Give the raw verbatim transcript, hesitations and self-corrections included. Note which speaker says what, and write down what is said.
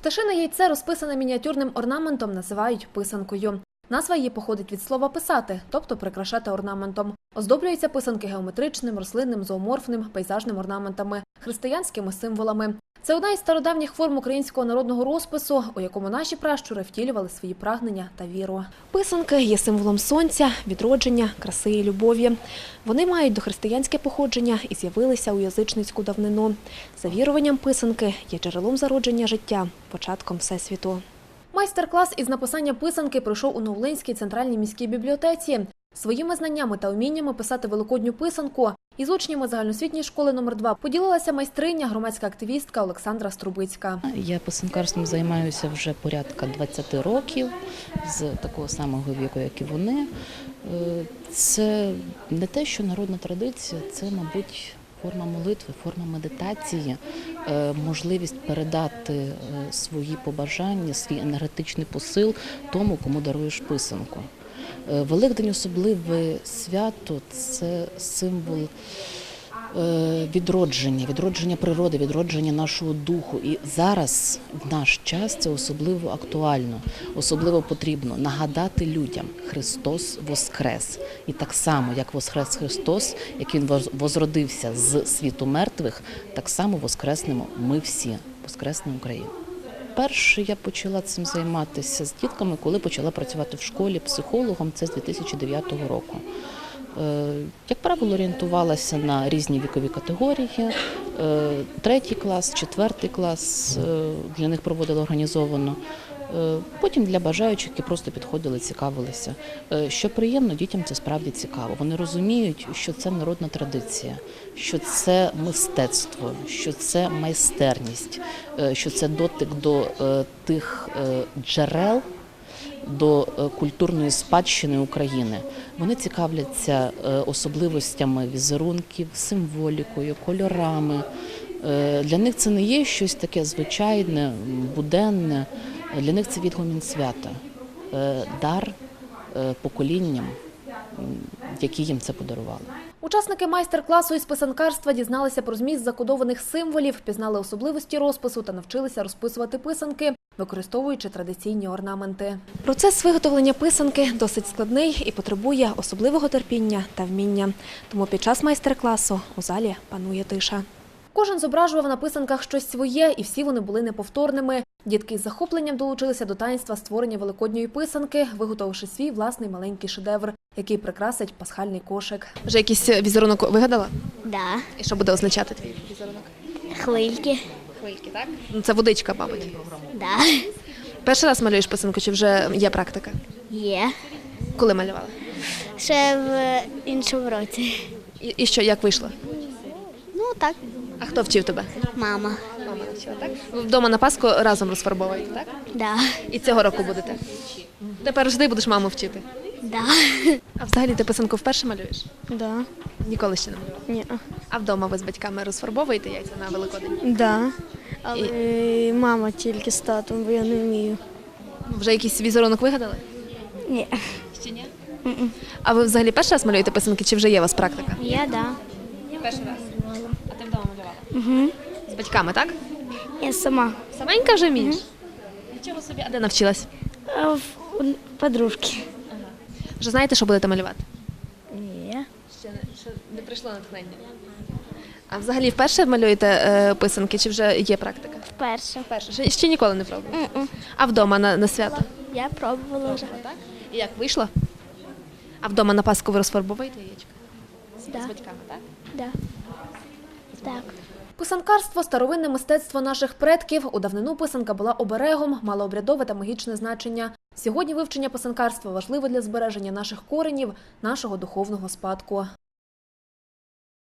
Speaker 1: Пташине яйце, розписане мініатюрним орнаментом, називають писанкою. Назва її походить від слова «писати», тобто прикрашати орнаментом. Оздоблюються писанки геометричним, рослинним, зооморфним, пейзажним орнаментами, християнськими символами. Це одна із стародавніх форм українського народного розпису, у якому наші пращури втілювали свої прагнення та віру. Писанки є символом сонця, відродження, краси і любові. Вони мають дохристиянське походження і з'явилися у язичницьку давнину. За віруванням, писанки є джерелом зародження життя, початком Всесвіту. Майстер-клас із написання писанки пройшов у Новолинській центральній міській бібліотеці. Своїми знаннями та уміннями писати великодню писанку із учнями загальноосвітньої школи номер два поділилася майстриня, громадська активістка Олександра Струбицька.
Speaker 2: Я писанкарством займаюся вже порядка двадцяти років, з такого самого віку, як і вони. Це не те, що народна традиція, це, мабуть, форма молитви, форма медитації, можливість передати свої побажання, свій енергетичний посил тому, кому даруєш писанку. Великдень – особливе свято, це символ відродження, відродження природи, відродження нашого духу. І зараз, в наш час, це особливо актуально, особливо потрібно нагадати людям – Христос воскрес. І так само, як воскрес Христос, як Він возродився з світу мертвих, так само воскреснемо ми всі, воскресне Україна. Перше я почала цим займатися з дітками, коли почала працювати в школі психологом, це з дві тисячі дев'ятого року. Як правило, орієнтувалася на різні вікові категорії. Третій клас, четвертий клас для них проводила організовано. Потім для бажаючих, які просто підходили, цікавилися. Що приємно, дітям це справді цікаво. Вони розуміють, що це народна традиція, що це мистецтво, що це майстерність, що це дотик до тих джерел, до культурної спадщини України. Вони цікавляться особливостями візерунків, символікою, кольорами. Для них це не є щось таке звичайне, буденне. Для них це відгомін свята, дар поколінням, які їм це подарували.
Speaker 1: Учасники майстер-класу із писанкарства дізналися про зміст закодованих символів, пізнали особливості розпису та навчилися розписувати писанки, використовуючи традиційні орнаменти. Процес виготовлення писанки досить складний і потребує особливого терпіння та вміння. Тому під час майстер-класу у залі панує тиша. Кожен зображував на писанках щось своє, і всі вони були неповторними. Дітки із захопленням долучилися до таїнства створення великодньої писанки, виготовивши свій власний маленький шедевр, який прикрасить пасхальний кошик. Вже якийсь візерунок вигадала?
Speaker 3: Да.
Speaker 1: І що буде означати твій візерунок?
Speaker 3: Хвильки.
Speaker 1: Хвильки, так? Ну, це водичка, мабуть.
Speaker 3: Да.
Speaker 1: Перший раз малюєш писанку, чи вже є практика?
Speaker 3: Є.
Speaker 1: Коли малювала?
Speaker 3: Ще в іншому році.
Speaker 1: І, і що, як вийшло?
Speaker 3: Ну так,
Speaker 1: А хто вчив тебе?
Speaker 3: мама.
Speaker 1: Мама навчила, так? Ви вдома на Пасху разом розфарбовуєте, так?
Speaker 3: Да.
Speaker 1: І цього року будете? Тепер завжди будеш маму вчити?
Speaker 3: Да.
Speaker 1: А взагалі ти писанку вперше малюєш?
Speaker 4: Да.
Speaker 1: Ніколи ще не малювала?
Speaker 4: Ні.
Speaker 1: А вдома ви з батьками розфарбовуєте яйця на Великодень?
Speaker 4: Да. Але мама тільки з татом, бо я не вмію.
Speaker 1: Вже якийсь візерунок вигадали?
Speaker 4: Ні.
Speaker 1: Ще ні? А ви взагалі перший раз малюєте писанки, чи вже є у вас практика?
Speaker 3: Я да.
Speaker 1: Перший раз. А ти вдома малювала?
Speaker 4: Угу.
Speaker 1: З батьками, так?
Speaker 4: Я сама.
Speaker 1: Саменька вже вмієш? Нічого собі. А де навчилась?
Speaker 4: А в у подружки.
Speaker 1: Вже знаєте, що будете малювати?
Speaker 4: Ні.
Speaker 1: Ще не, ще не прийшло натхнення. А взагалі вперше малюєте е, писанки, чи вже є практика?
Speaker 3: Вперше.
Speaker 1: Вперше. Ще, ще ніколи не пробували?
Speaker 3: М-м.
Speaker 1: А вдома на, на свято?
Speaker 3: Я пробувала вже.
Speaker 1: Так? І як вийшло? А вдома на Пасху ви розфарбовуєте яєчко?
Speaker 3: Да.
Speaker 1: З батьками, так?
Speaker 3: Да. Так.
Speaker 1: Писанкарство – старовинне мистецтво наших предків. У давнину писанка була оберегом, мала обрядове та магічне значення. Сьогодні вивчення писанкарства важливе для збереження наших коренів, нашого духовного спадку.